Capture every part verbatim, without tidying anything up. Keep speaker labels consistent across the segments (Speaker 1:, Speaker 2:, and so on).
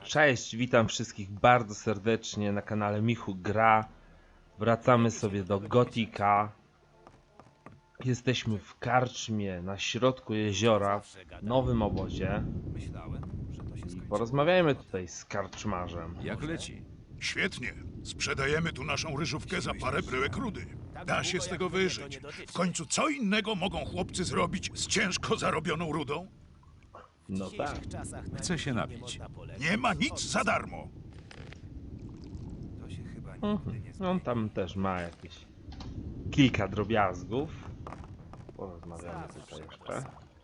Speaker 1: Cześć, witam wszystkich bardzo serdecznie na kanale Michu Gra. Wracamy sobie do Gotika. Jesteśmy w karczmie na środku jeziora, w nowym obozie. I porozmawiajmy tutaj z karczmarzem.
Speaker 2: Jak leci?
Speaker 3: Świetnie. Sprzedajemy tu naszą ryżówkę za parę bryłek rudy. Da się z tego wyżyć. W końcu co innego mogą chłopcy zrobić z ciężko zarobioną rudą?
Speaker 1: No tak.
Speaker 2: Chcę się napić.
Speaker 3: Nie ma nic za darmo.
Speaker 1: Mhm. On tam też ma jakieś kilka drobiazgów. Porozmawiamy tutaj jeszcze.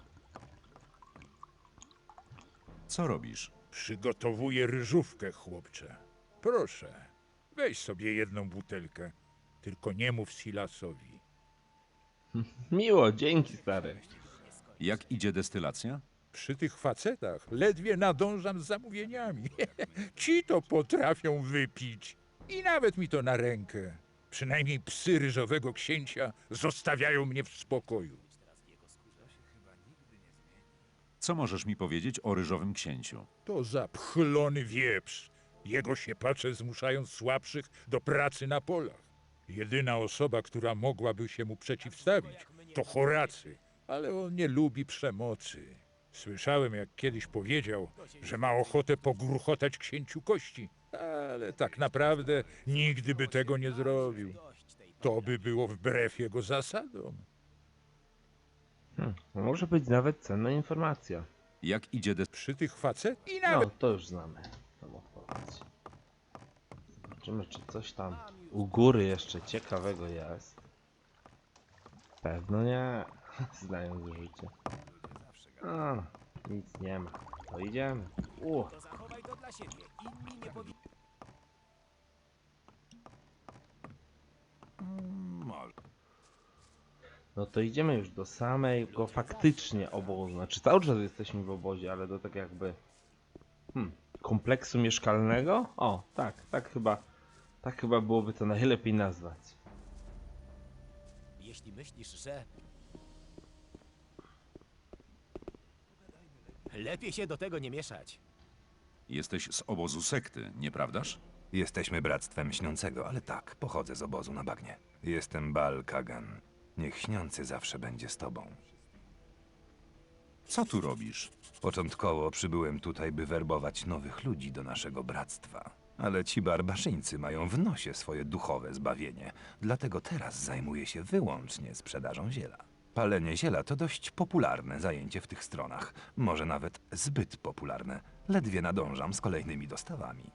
Speaker 2: Co robisz?
Speaker 4: Przygotowuję ryżówkę, chłopcze. Proszę, weź sobie jedną butelkę. Tylko nie mów Silasowi.
Speaker 1: Miło, dzięki stary.
Speaker 2: Jak idzie destylacja?
Speaker 4: Przy tych facetach ledwie nadążam z zamówieniami. Ci to potrafią wypić. I nawet mi to na rękę. Przynajmniej psy ryżowego księcia zostawiają mnie w spokoju.
Speaker 2: Co możesz mi powiedzieć o ryżowym księciu?
Speaker 4: To zapchlony wieprz. Jego siepacze zmuszają słabszych do pracy na polach. Jedyna osoba, która mogłaby się mu przeciwstawić, to Horacy, ale on nie lubi przemocy. Słyszałem, jak kiedyś powiedział, że ma ochotę pogruchotać księciu kości, ale tak naprawdę nigdy by tego nie zrobił. To by było wbrew jego zasadom.
Speaker 1: Hmm. Może być nawet cenna informacja.
Speaker 2: Jak idzie des...
Speaker 4: Przy tych facet i
Speaker 1: No,
Speaker 4: nawet
Speaker 1: to już znamy tą odpowiedź. Zobaczymy, czy coś tam u góry jeszcze ciekawego jest. Pewno nie, znając życie. A, nic nie ma. To idziemy. U. No to idziemy już do samego faktycznie obozu. Znaczy cały czas jesteśmy w obozie, ale do tak jakby hmm, kompleksu mieszkalnego? O, tak, tak chyba, tak chyba byłoby to najlepiej nazwać.
Speaker 5: Jeśli myślisz, że... Lepiej się do tego nie mieszać.
Speaker 2: Jesteś z obozu sekty, nieprawdaż?
Speaker 6: Jesteśmy Bractwem Śniącego, ale tak, pochodzę z obozu na bagnie. Jestem Baal Kagan. Niech Śniący zawsze będzie z tobą.
Speaker 2: Co tu robisz?
Speaker 6: Początkowo przybyłem tutaj, by werbować nowych ludzi do naszego bractwa. Ale ci barbarzyńcy mają w nosie swoje duchowe zbawienie, dlatego teraz zajmuję się wyłącznie sprzedażą ziela. Palenie ziela to dość popularne zajęcie w tych stronach, może nawet zbyt popularne. Ledwie nadążam z kolejnymi dostawami.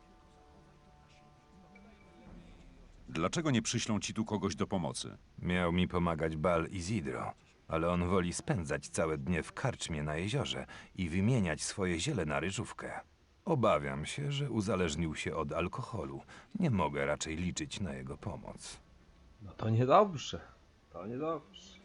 Speaker 2: Dlaczego nie przyślą ci tu kogoś do pomocy?
Speaker 6: Miał mi pomagać Baal Izidro, ale on woli spędzać całe dnie w karczmie na jeziorze i wymieniać swoje ziele na ryżówkę. Obawiam się, że uzależnił się od alkoholu. Nie mogę raczej liczyć na jego pomoc.
Speaker 1: No to niedobrze, to niedobrze.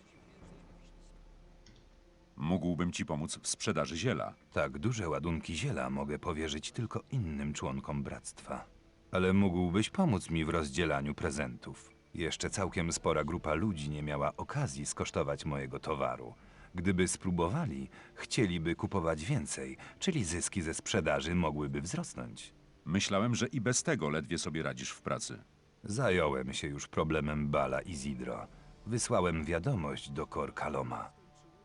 Speaker 2: Mógłbym ci pomóc w sprzedaży ziela.
Speaker 6: Tak duże ładunki ziela mogę powierzyć tylko innym członkom bractwa. Ale mógłbyś pomóc mi w rozdzielaniu prezentów. Jeszcze całkiem spora grupa ludzi nie miała okazji skosztować mojego towaru. Gdyby spróbowali, chcieliby kupować więcej, czyli zyski ze sprzedaży mogłyby wzrosnąć.
Speaker 2: Myślałem, że i bez tego ledwie sobie radzisz w pracy.
Speaker 6: Zająłem się już problemem Bala Izidro. Wysłałem wiadomość do Kor Kaloma.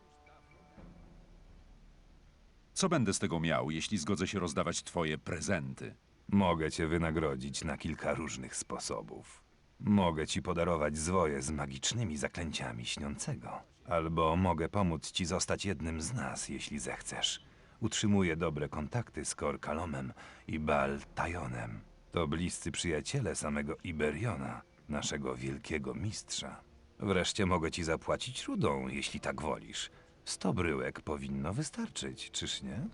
Speaker 2: Co będę z tego miał, jeśli zgodzę się rozdawać twoje prezenty?
Speaker 6: Mogę cię wynagrodzić na kilka różnych sposobów. Mogę ci podarować zwoje z magicznymi zaklęciami Śniącego. Albo mogę pomóc ci zostać jednym z nas, jeśli zechcesz. Utrzymuję dobre kontakty z Kor Kalomem i Baal Tajonem. To bliscy przyjaciele samego Iberiona, naszego wielkiego mistrza. Wreszcie mogę ci zapłacić rudą, jeśli tak wolisz. Sto bryłek powinno wystarczyć, czyż nie?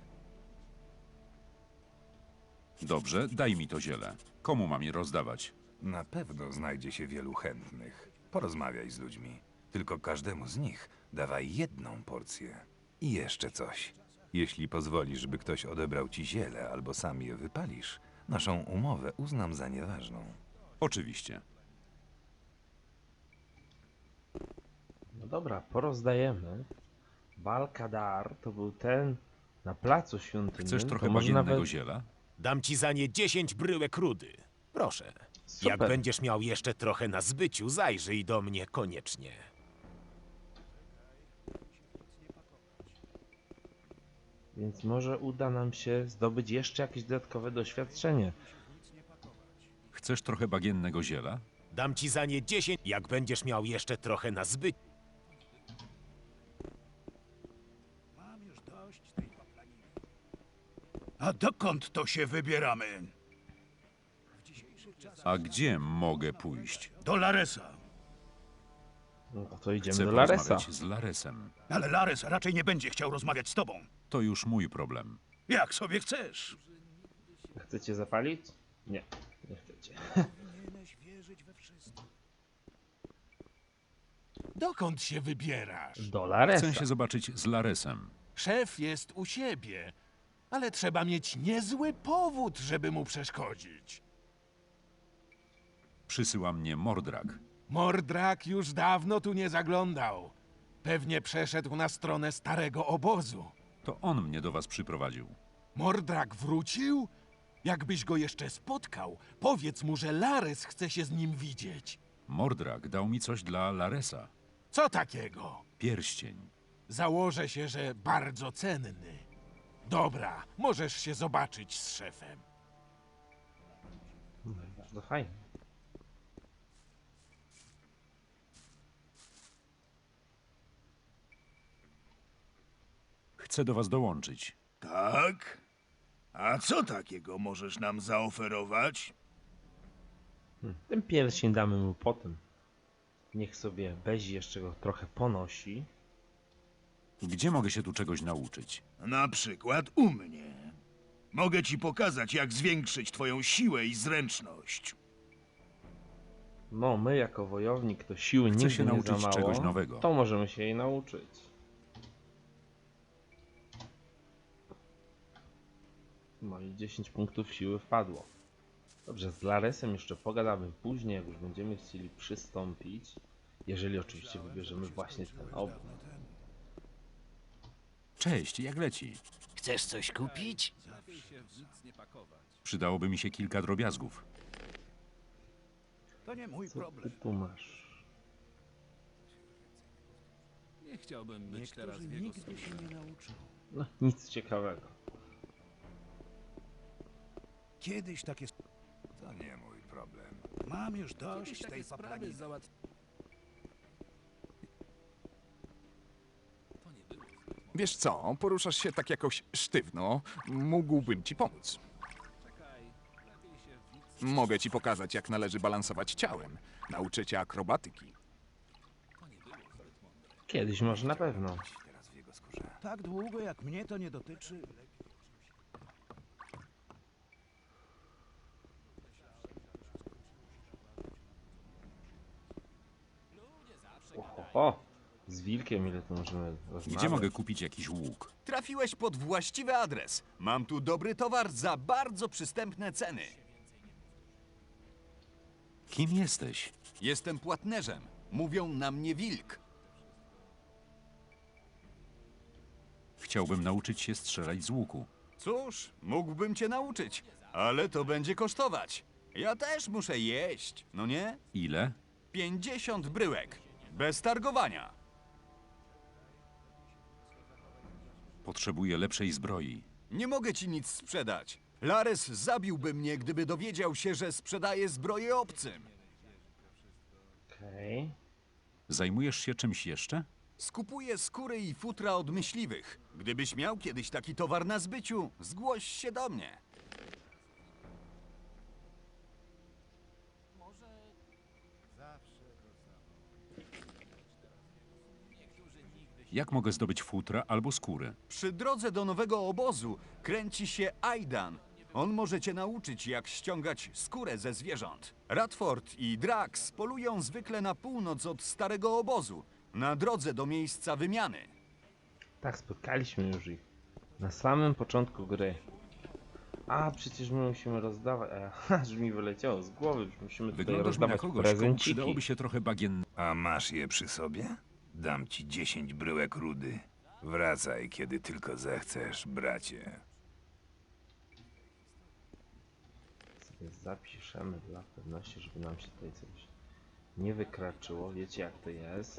Speaker 2: Dobrze, daj mi to ziele. Komu mam je rozdawać?
Speaker 6: Na pewno znajdzie się wielu chętnych. Porozmawiaj z ludźmi. Tylko każdemu z nich dawaj jedną porcję. I jeszcze coś. Jeśli pozwolisz, by ktoś odebrał ci ziele albo sam je wypalisz, naszą umowę uznam za nieważną.
Speaker 2: Oczywiście.
Speaker 1: No dobra, porozdajemy. Baal Kadar to był ten na placu świątynnym.
Speaker 2: Chcesz
Speaker 1: to
Speaker 2: trochę
Speaker 1: może
Speaker 2: bagiennego
Speaker 1: nawet
Speaker 2: ziela?
Speaker 5: Dam ci za nie dziesięć bryłek rudy. Proszę.
Speaker 1: Super.
Speaker 5: Jak będziesz miał jeszcze trochę na zbyciu, zajrzyj do mnie koniecznie.
Speaker 1: Więc może uda nam się zdobyć jeszcze jakieś dodatkowe doświadczenie.
Speaker 2: Chcesz trochę bagiennego ziela?
Speaker 5: Dam ci za nie dziesięć, jak będziesz miał jeszcze trochę na zbyciu.
Speaker 3: A dokąd to się wybieramy?
Speaker 2: A gdzie mogę pójść?
Speaker 3: Do Laresa.
Speaker 1: No to idziemy
Speaker 2: Chcę
Speaker 1: do Laresa.
Speaker 2: porozmawiać z Laresem.
Speaker 3: Ale Lares raczej nie będzie chciał rozmawiać z tobą.
Speaker 2: To już mój problem.
Speaker 3: Jak sobie chcesz.
Speaker 1: Chcecie zapalić? Nie, nie chcecie.
Speaker 7: Dokąd się wybierasz?
Speaker 1: Do Laresa.
Speaker 2: Chcę się zobaczyć z Laresem.
Speaker 7: Szef jest u siebie, ale trzeba mieć niezły powód, żeby mu przeszkodzić.
Speaker 2: Przysyła mnie Mordrak.
Speaker 7: Mordrak już dawno tu nie zaglądał. Pewnie przeszedł na stronę starego obozu.
Speaker 2: To on mnie do was przyprowadził.
Speaker 7: Mordrak wrócił? Jakbyś go jeszcze spotkał, powiedz mu, że Lares chce się z nim widzieć.
Speaker 2: Mordrak dał mi coś dla Laresa.
Speaker 7: Co takiego?
Speaker 2: Pierścień.
Speaker 7: Założę się, że bardzo cenny. Dobra, możesz się zobaczyć z szefem.
Speaker 1: Bardzo fajnie.
Speaker 2: Chcę do was dołączyć.
Speaker 3: Tak? A co takiego możesz nam zaoferować?
Speaker 1: Hmm. Ten pierścień damy mu potem. Niech sobie Bezi jeszcze go trochę ponosi.
Speaker 2: Gdzie mogę się tu czegoś nauczyć?
Speaker 3: Na przykład u mnie. Mogę ci pokazać, jak zwiększyć twoją siłę i zręczność.
Speaker 1: No, my jako wojownik to siły
Speaker 2: Chcę
Speaker 1: nigdy
Speaker 2: się
Speaker 1: nie
Speaker 2: nauczyć
Speaker 1: za mało.
Speaker 2: czegoś nowego.
Speaker 1: To możemy się jej nauczyć. No i dziesięć punktów siły wpadło. Dobrze, z Laresem jeszcze pogadamy później, jak już będziemy chcieli przystąpić. Jeżeli oczywiście wybierzemy właśnie ten obóz.
Speaker 2: Cześć, jak leci?
Speaker 8: Chcesz coś kupić?
Speaker 2: Przydałoby mi się kilka drobiazgów.
Speaker 3: To nie mój
Speaker 1: Co ty
Speaker 3: problem.
Speaker 1: tu masz?
Speaker 9: Nie chciałbym być teraz w jego skórze.
Speaker 1: No, nic ciekawego.
Speaker 3: Kiedyś takie...
Speaker 6: To nie mój problem.
Speaker 3: Mam już dość
Speaker 9: Jakieś
Speaker 3: tej
Speaker 9: takie sprawy
Speaker 3: paplaniny.
Speaker 9: załatw... To nie było zbyt mądre.
Speaker 10: Wiesz co, poruszasz się tak jakoś sztywno. Mógłbym ci pomóc.
Speaker 9: Czekaj, lepiej się w nic...
Speaker 10: Mogę ci pokazać, jak należy balansować ciałem. Nauczę cię akrobatyki.
Speaker 9: To nie było zbyt mądre.
Speaker 1: Kiedyś może na pewno.
Speaker 6: Teraz w jego skórze.
Speaker 3: Tak długo, jak mnie to nie dotyczy.
Speaker 1: O, o, z wilkiem ile tu możemy rozmawiać?
Speaker 2: Gdzie mogę kupić jakiś łuk?
Speaker 11: Trafiłeś pod właściwy adres. Mam tu dobry towar za bardzo przystępne ceny.
Speaker 2: Kim jesteś?
Speaker 11: Jestem płatnerzem. Mówią na mnie wilk.
Speaker 2: Chciałbym nauczyć się strzelać z łuku.
Speaker 11: Cóż, mógłbym cię nauczyć, ale to będzie kosztować. Ja też muszę jeść, no nie?
Speaker 2: Ile?
Speaker 11: Pięćdziesiąt bryłek. Bez targowania.
Speaker 2: Potrzebuję lepszej zbroi.
Speaker 11: Nie mogę ci nic sprzedać. Lares zabiłby mnie, gdyby dowiedział się, że sprzedaję zbroję obcym.
Speaker 1: Okej.
Speaker 2: Zajmujesz się czymś jeszcze?
Speaker 11: Skupuję skóry i futra od myśliwych. Gdybyś miał kiedyś taki towar na zbyciu, zgłoś się do mnie.
Speaker 2: Jak mogę zdobyć futra albo skóry?
Speaker 11: Przy drodze do nowego obozu kręci się Aidan. On może cię nauczyć, jak ściągać skórę ze zwierząt. Radford i Drax polują zwykle na północ od starego obozu, na drodze do miejsca wymiany.
Speaker 1: Tak, spotkaliśmy już ich. Na samym początku gry. A, przecież my musimy rozdawać... A, aż mi wyleciało z głowy, że musimy tutaj
Speaker 2: Wyglądasz mi na
Speaker 1: rozdawać
Speaker 2: kogoś, komu
Speaker 1: prezenciki.
Speaker 2: przydałoby się trochę bagien...
Speaker 6: A masz je przy sobie? Dam ci dziesięć bryłek rudy. Wracaj, kiedy tylko zechcesz, bracie.
Speaker 1: Zapiszemy dla pewności, żeby nam się tutaj coś nie wykraczyło. Wiecie jak to jest.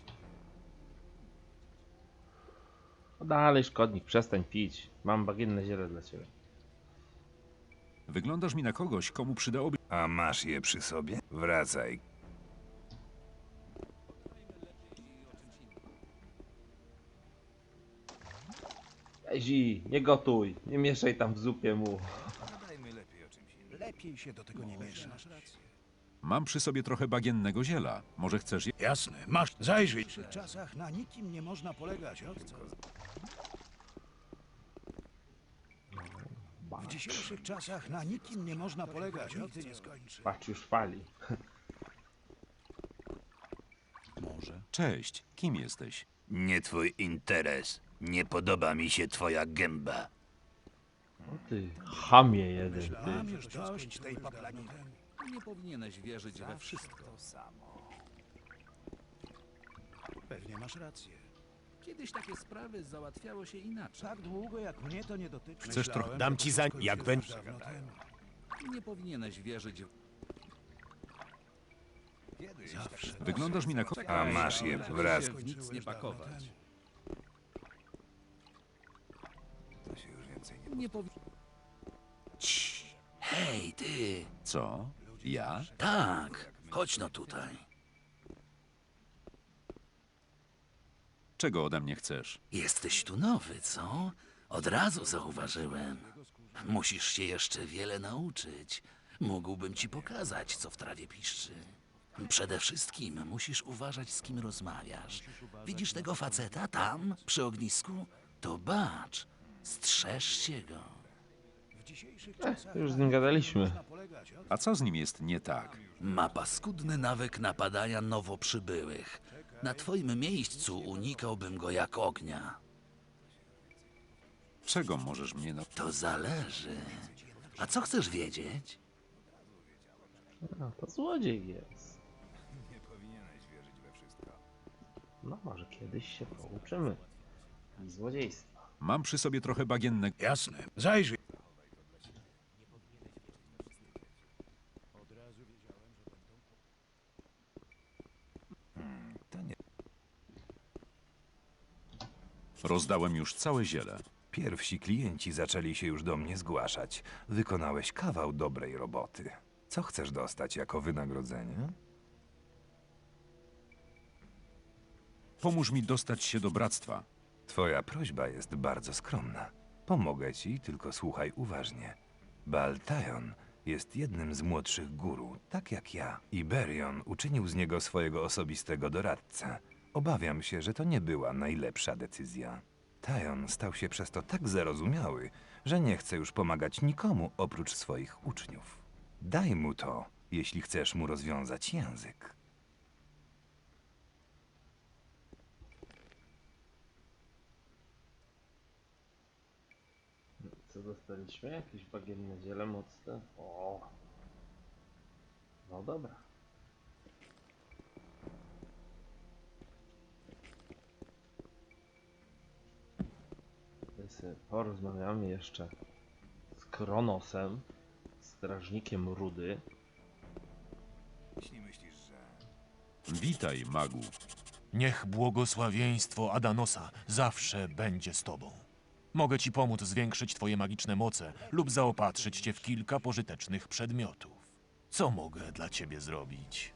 Speaker 1: No dalej, szkodnik, przestań pić. Mam bagienne ziele dla ciebie.
Speaker 2: Wyglądasz mi na kogoś, komu przydałoby...
Speaker 6: A masz je przy sobie? Wracaj.
Speaker 1: Ezi, nie gotuj, nie mieszaj tam w zupie mu.
Speaker 3: Lepiej się do tego nie mieszać.
Speaker 2: Mam przy sobie trochę bagiennego ziela. Może chcesz je...
Speaker 3: Jasne, masz, zajrzyj.
Speaker 12: W czasach na nikim nie można polegać, owco. W dzisiejszych czasach na nikim nie można polegać, nigdy nie skończy.
Speaker 1: Patrz, już fali.
Speaker 10: Może.
Speaker 2: Cześć, kim jesteś?
Speaker 8: Nie twój interes. Nie podoba mi się twoja gęba.
Speaker 1: O ty, chamie jeden, ty.
Speaker 12: Mam już dość tej paplaniny.
Speaker 9: Nie powinieneś wierzyć we wszystko.
Speaker 12: Pewnie masz rację.
Speaker 9: Kiedyś takie sprawy załatwiało się inaczej.
Speaker 12: Tak długo jak mnie to nie dotyczy.
Speaker 2: Chcesz
Speaker 12: Myślałem,
Speaker 2: trochę-
Speaker 5: Dam
Speaker 12: że
Speaker 5: ci
Speaker 12: to
Speaker 5: za...
Speaker 12: skończyło
Speaker 5: jak
Speaker 12: się
Speaker 5: będzie...
Speaker 12: dawno temu.
Speaker 9: Nie powinieneś wierzyć w...
Speaker 12: Zawsze.
Speaker 2: Wyglądasz mi na kogoś...
Speaker 6: A masz je,
Speaker 9: Lepiej
Speaker 6: wracaj.
Speaker 9: się w nic nie pakować. Nie powi...
Speaker 8: Hej, ty!
Speaker 2: Co? Ja?
Speaker 8: Tak, chodź no tutaj.
Speaker 2: Czego ode mnie chcesz?
Speaker 8: Jesteś tu nowy, co? Od razu zauważyłem. Musisz się jeszcze wiele nauczyć. Mógłbym ci pokazać, co w trawie piszczy. Przede wszystkim musisz uważać, z kim rozmawiasz. Widzisz tego faceta tam, przy ognisku? To bacz, strzeżcie go.
Speaker 12: W dzisiejszych
Speaker 1: Eh,
Speaker 12: czasach
Speaker 1: już z
Speaker 12: na
Speaker 1: nim
Speaker 12: nikim
Speaker 1: gadaliśmy.
Speaker 12: nie można polegać, owco.
Speaker 2: A co z nim jest nie tak?
Speaker 8: Ma paskudny nawyk napadania nowo przybyłych. Na twoim miejscu unikałbym go jak ognia.
Speaker 2: Czego możesz mnie na...
Speaker 8: To zależy. A co chcesz wiedzieć?
Speaker 1: No, to złodziej jest. No może kiedyś się pouczymy. Złodziejstwa.
Speaker 2: Mam przy sobie trochę bagiennego...
Speaker 3: Jasne, zajrzyj.
Speaker 2: Rozdałem już całe ziele.
Speaker 6: Pierwsi klienci zaczęli się już do mnie zgłaszać. Wykonałeś kawał dobrej roboty. Co chcesz dostać jako wynagrodzenie?
Speaker 2: Pomóż mi dostać się do bractwa.
Speaker 6: Twoja prośba jest bardzo skromna. Pomogę ci, tylko słuchaj uważnie. Baltajon jest jednym z młodszych guru, tak jak ja. Iberion uczynił z niego swojego osobistego doradcę. Obawiam się, że to nie była najlepsza decyzja. Tajon stał się przez to tak zarozumiały, że nie chce już pomagać nikomu oprócz swoich uczniów. Daj mu to, jeśli chcesz mu rozwiązać język.
Speaker 1: Co dostaliśmy? Jakieś bagienne ziele mocne? O. No dobra. Tutaj sobie porozmawiamy jeszcze z Kronosem, strażnikiem Rudy.
Speaker 2: Witaj, magu.
Speaker 13: Niech błogosławieństwo Adanosa zawsze będzie z tobą. Mogę ci pomóc zwiększyć twoje magiczne moce lub zaopatrzyć cię w kilka pożytecznych przedmiotów. Co mogę dla ciebie zrobić?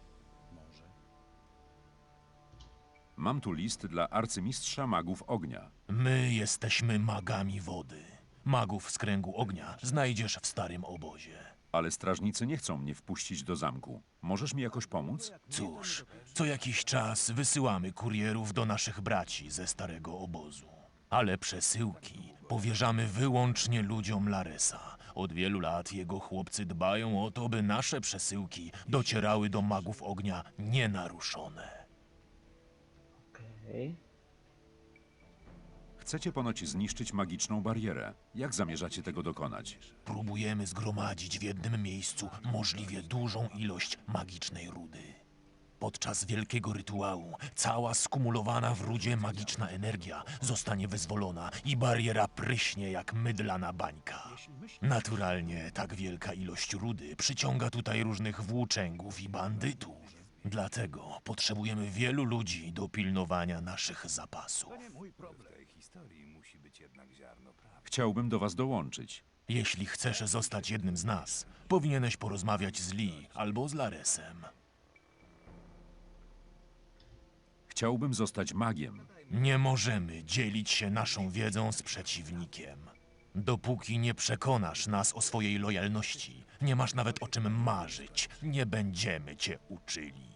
Speaker 2: Mam tu list dla arcymistrza magów ognia.
Speaker 13: My jesteśmy magami wody. Magów z kręgu ognia znajdziesz w starym obozie.
Speaker 2: Ale strażnicy nie chcą mnie wpuścić do zamku. Możesz mi jakoś pomóc?
Speaker 13: Cóż, co jakiś czas wysyłamy kurierów do naszych braci ze starego obozu. Ale przesyłki powierzamy wyłącznie ludziom Laresa. Od wielu lat jego chłopcy dbają o to, by nasze przesyłki docierały do magów ognia nienaruszone.
Speaker 1: Okej.
Speaker 2: Chcecie ponoć zniszczyć magiczną barierę. Jak zamierzacie tego dokonać?
Speaker 13: Próbujemy zgromadzić w jednym miejscu możliwie dużą ilość magicznej rudy. Podczas wielkiego rytuału cała skumulowana w rudzie magiczna energia zostanie wyzwolona i bariera pryśnie jak mydlana bańka. Naturalnie tak wielka ilość rudy przyciąga tutaj różnych włóczęgów i bandytów. Dlatego potrzebujemy wielu ludzi do pilnowania naszych zapasów.
Speaker 6: W tej historii musi być jednak ziarno prawdy.
Speaker 2: Chciałbym do was dołączyć.
Speaker 13: Jeśli chcesz zostać jednym z nas, powinieneś porozmawiać z Lee albo z Laresem.
Speaker 2: Chciałbym zostać magiem.
Speaker 13: Nie możemy dzielić się naszą wiedzą z przeciwnikiem. Dopóki nie przekonasz nas o swojej lojalności, nie masz nawet o czym marzyć. Nie będziemy cię uczyli.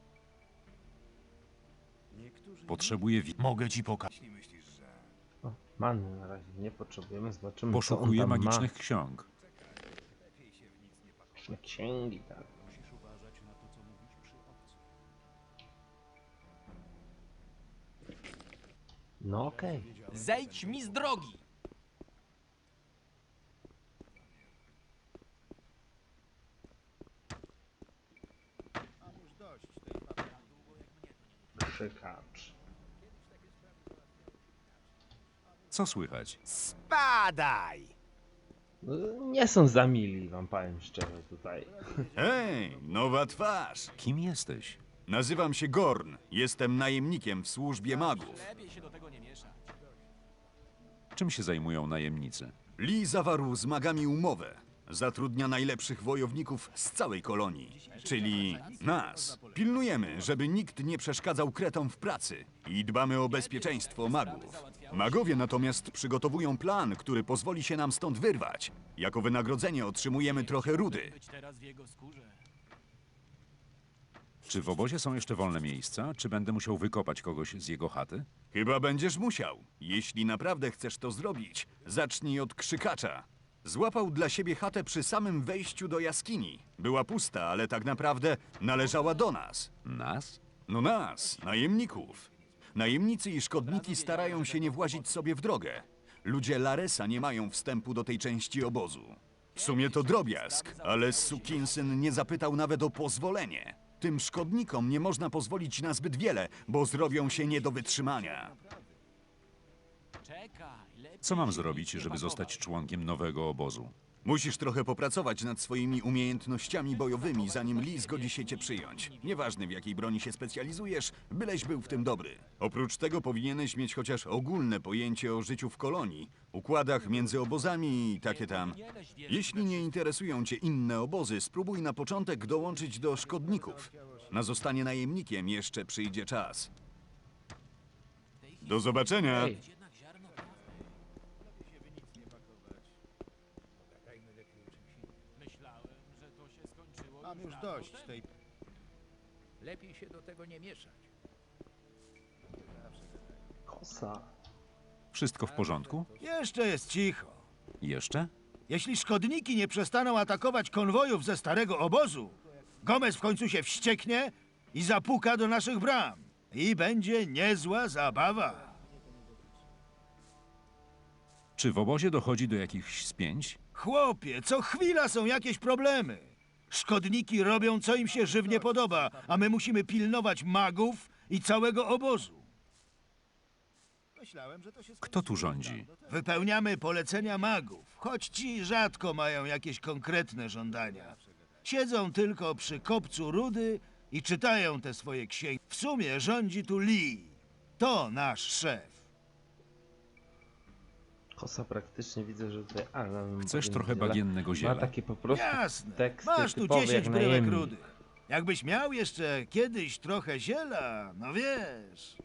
Speaker 2: Potrzebuję wi-
Speaker 13: Mogę ci pokazać.
Speaker 1: O, manny na razie nie potrzebujemy, zobaczymy
Speaker 2: Poszukuję
Speaker 1: co on tam
Speaker 2: magicznych ksiąg.
Speaker 1: ma. Księgi, tak. No okej.
Speaker 7: Zejdź mi z drogi!
Speaker 1: Krzykacz.
Speaker 2: Co słychać?
Speaker 5: Spadaj!
Speaker 1: No, nie są za mili, wam powiem szczerze tutaj.
Speaker 11: Hej, nowa twarz.
Speaker 2: Kim jesteś?
Speaker 11: Nazywam się Gorn. Jestem najemnikiem w służbie magów.
Speaker 2: Czym się zajmują najemnicy?
Speaker 11: Lee zawarł z magami umowę. Zatrudnia najlepszych wojowników z całej kolonii, czyli nas. Pilnujemy, żeby nikt nie przeszkadzał kretom w pracy i dbamy o bezpieczeństwo magów. Magowie natomiast przygotowują plan, który pozwoli się nam stąd wyrwać. Jako wynagrodzenie otrzymujemy trochę rudy.
Speaker 2: Czy w obozie są jeszcze wolne miejsca? Czy będę musiał wykopać kogoś z jego chaty?
Speaker 11: Chyba będziesz musiał. Jeśli naprawdę chcesz to zrobić, zacznij od krzykacza. Złapał dla siebie chatę przy samym wejściu do jaskini. Była pusta, ale tak naprawdę należała do nas.
Speaker 2: Nas?
Speaker 11: No nas, najemników. Najemnicy i szkodniki starają się nie włazić sobie w drogę. Ludzie Laresa nie mają wstępu do tej części obozu. W sumie to drobiazg, ale sukinsyn nie zapytał nawet o pozwolenie. Tym szkodnikom nie można pozwolić na zbyt wiele, bo zrobią się nie do wytrzymania.
Speaker 2: Co mam zrobić, żeby zostać członkiem nowego obozu?
Speaker 11: Musisz trochę popracować nad swoimi umiejętnościami bojowymi, zanim Lee zgodzi się cię przyjąć. Nieważne w jakiej broni się specjalizujesz, byleś był w tym dobry. Oprócz tego powinieneś mieć chociaż ogólne pojęcie o życiu w kolonii, układach między obozami i takie tam. Jeśli nie interesują cię inne obozy, spróbuj na początek dołączyć do szkodników. Na zostanie najemnikiem jeszcze przyjdzie czas. Do zobaczenia!
Speaker 1: Ej.
Speaker 12: Mam już dość tej...
Speaker 9: Lepiej się do tego nie mieszać.
Speaker 1: Kosa.
Speaker 2: Wszystko w porządku?
Speaker 12: Jeszcze jest cicho.
Speaker 2: Jeszcze?
Speaker 12: Jeśli szkodniki nie przestaną atakować konwojów ze starego obozu, Gomez w końcu się wścieknie i zapuka do naszych bram. I będzie niezła zabawa.
Speaker 2: Czy w obozie dochodzi do jakichś spięć?
Speaker 12: Chłopie, co chwila są jakieś problemy. Szkodniki robią, co im się żywnie podoba, a my musimy pilnować magów i całego obozu. Myślałem, że to się
Speaker 2: Kto tu rządzi?
Speaker 12: Wypełniamy polecenia magów, choć ci rzadko mają jakieś konkretne żądania. Siedzą tylko przy kopcu rudy i czytają te swoje księgi. W sumie rządzi tu Lee. To nasz szef.
Speaker 1: Kosa praktycznie widzę, że tutaj... A, no,
Speaker 2: Chcesz
Speaker 1: bagien
Speaker 2: trochę
Speaker 1: ziela.
Speaker 2: bagiennego ziela?
Speaker 1: Ma takie po prostu
Speaker 12: Jasne.
Speaker 1: teksty
Speaker 12: Masz tu
Speaker 1: typowe
Speaker 12: dziesięć
Speaker 1: jak
Speaker 12: bryłek
Speaker 1: najemnik.
Speaker 12: rudych. Jakbyś miał jeszcze kiedyś trochę ziela, no wiesz.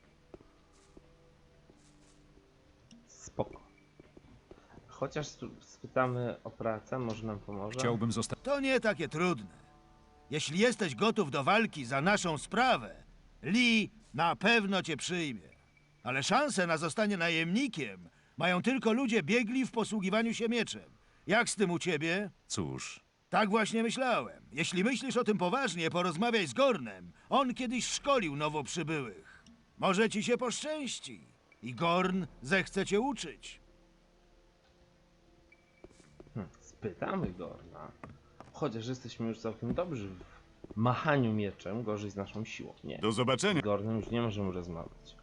Speaker 1: Spoko. Chociaż tu spytamy o pracę, może nam pomoże?
Speaker 2: Chciałbym zostać...
Speaker 12: To nie takie trudne. Jeśli jesteś gotów do walki za naszą sprawę, Lee na pewno cię przyjmie. Ale szanse na zostanie najemnikiem mają tylko ludzie biegli w posługiwaniu się mieczem. Jak z tym u ciebie?
Speaker 2: Cóż,
Speaker 12: Tak właśnie myślałem. Jeśli myślisz o tym poważnie, porozmawiaj z Gornem. On kiedyś szkolił nowo przybyłych. Może ci się poszczęści. I Gorn zechce cię uczyć.
Speaker 1: Hm, spytamy Gorna. Chociaż jesteśmy już całkiem dobrzy w machaniu mieczem, gorzej z naszą siłą. Nie.
Speaker 11: Do zobaczenia.
Speaker 1: Z Gornem już nie możemy rozmawiać.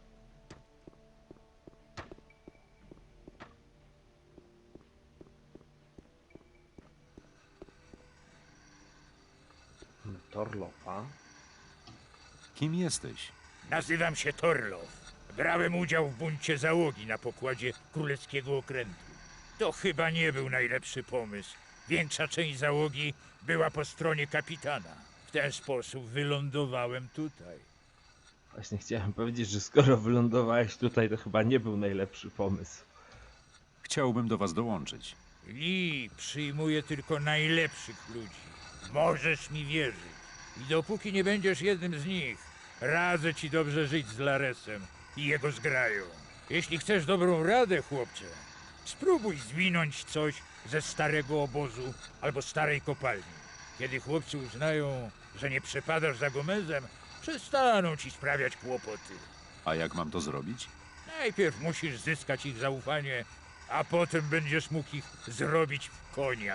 Speaker 1: Torlofa.
Speaker 2: Kim jesteś?
Speaker 4: Nazywam się Torlof. Brałem udział w buncie załogi na pokładzie królewskiego okrętu. To chyba nie był najlepszy pomysł. Większa część załogi była po stronie kapitana. W ten sposób wylądowałem tutaj.
Speaker 1: Właśnie chciałem powiedzieć, że skoro wylądowałeś tutaj, to chyba nie był najlepszy pomysł.
Speaker 2: Chciałbym do was dołączyć.
Speaker 4: Lee przyjmuje tylko najlepszych ludzi. Możesz mi wierzyć. I dopóki nie będziesz jednym z nich, radzę ci dobrze żyć z Laresem i jego zgrają. Jeśli chcesz dobrą radę, chłopcze, spróbuj zwinąć coś ze starego obozu albo starej kopalni. Kiedy chłopcy uznają, że nie przepadasz za Gomezem, przestaną ci sprawiać kłopoty.
Speaker 2: A jak mam to zrobić?
Speaker 4: Najpierw musisz zyskać ich zaufanie, a potem będziesz mógł ich zrobić w konia.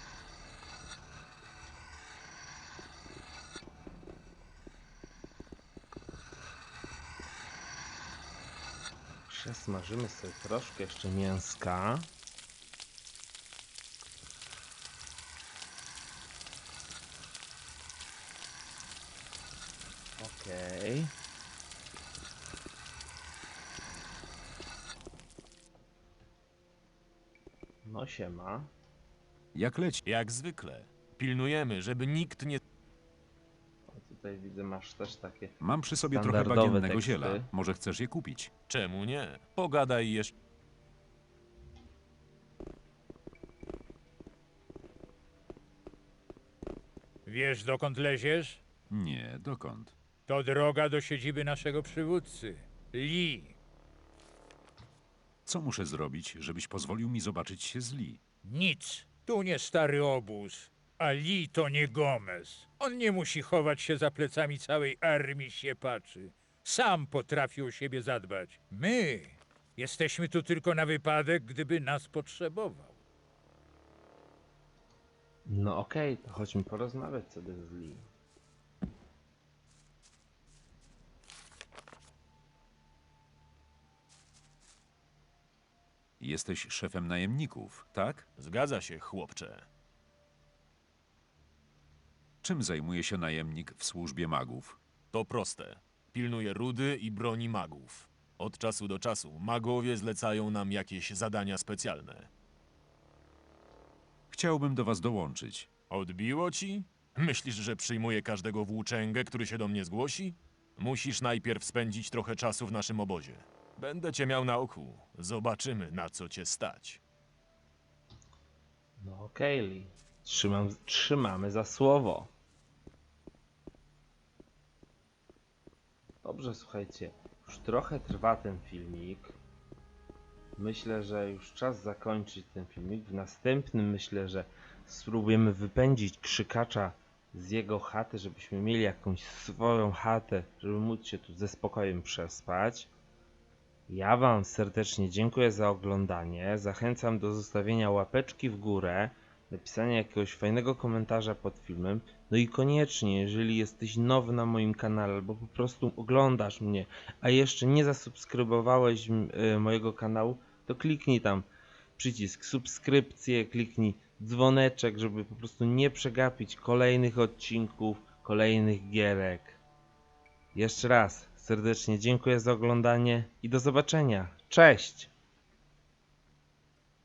Speaker 1: Przesmażymy sobie troszkę jeszcze mięska. Okej. No siema.
Speaker 2: Jak leci?
Speaker 13: Jak zwykle. Pilnujemy, żeby nikt nie...
Speaker 1: O, tutaj widzę, masz też takie
Speaker 2: Mam przy sobie trochę
Speaker 1: standardowe
Speaker 2: bagiennego
Speaker 1: teksty.
Speaker 2: ziela. Może chcesz je kupić?
Speaker 13: Czemu nie? Pogadaj jeszcze...
Speaker 4: Wiesz, dokąd leziesz?
Speaker 2: Nie, dokąd?
Speaker 4: To droga do siedziby naszego przywódcy, Lee.
Speaker 2: Co muszę zrobić, żebyś pozwolił mi zobaczyć się z Lee?
Speaker 4: Nic. Tu nie stary obóz, a Lee to nie Gomez. On nie musi chować się za plecami całej armii siepaczy. Sam potrafi o siebie zadbać. My jesteśmy tu tylko na wypadek, gdyby nas potrzebował.
Speaker 1: No okej, to chodźmy porozmawiać sobie z Lee.
Speaker 2: Jesteś szefem najemników, tak?
Speaker 13: Zgadza się, chłopcze.
Speaker 2: Czym zajmuje się najemnik w służbie magów?
Speaker 13: To proste. Pilnuje rudy i broni magów. Od czasu do czasu magowie zlecają nam jakieś zadania specjalne.
Speaker 2: Chciałbym do was dołączyć.
Speaker 13: Odbiło ci? Myślisz, że przyjmuję każdego włóczęgę, który się do mnie zgłosi? Musisz najpierw spędzić trochę czasu w naszym obozie. Będę cię miał na oku. Zobaczymy, na co cię stać.
Speaker 1: No okej, Lee. Trzymam, trzymamy za słowo. Dobrze, słuchajcie. Już trochę trwa ten filmik. Myślę, że już czas zakończyć ten filmik. W następnym myślę, że spróbujemy wypędzić krzykacza z jego chaty, żebyśmy mieli jakąś swoją chatę, żeby móc się tu ze spokojem przespać. Ja wam serdecznie dziękuję za oglądanie. Zachęcam do zostawienia łapeczki w górę, napisania jakiegoś fajnego komentarza pod filmem. No i koniecznie, jeżeli jesteś nowy na moim kanale, albo po prostu oglądasz mnie, a jeszcze nie zasubskrybowałeś y, mojego kanału, to kliknij tam przycisk subskrypcję, kliknij dzwoneczek, żeby po prostu nie przegapić kolejnych odcinków, kolejnych gierek. Jeszcze raz serdecznie dziękuję za oglądanie i do zobaczenia. Cześć!